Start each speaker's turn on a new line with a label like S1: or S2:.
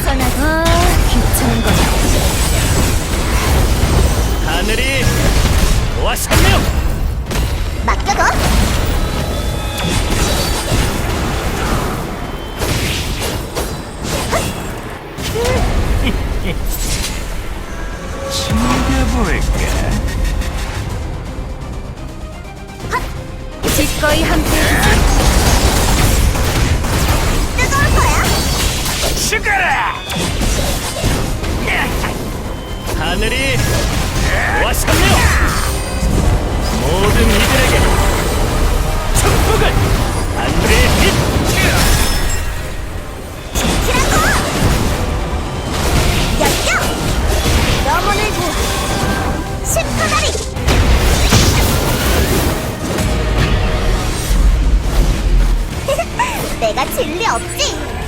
S1: 벗어나. 귀찮은 거야.
S2: 하늘이 도와주세요.
S1: 맡겨둬.
S2: 챙겨볼까?
S1: 기꺼이 함께해주지. 뜨거울 거야.
S2: 죽어라! 하늘이 도와주세요. 모든 이들에게 축복을! 하늘의 빛!
S1: 지키라고! 열려! 영혼을 구워. 실패다리! 내가 진리 없지?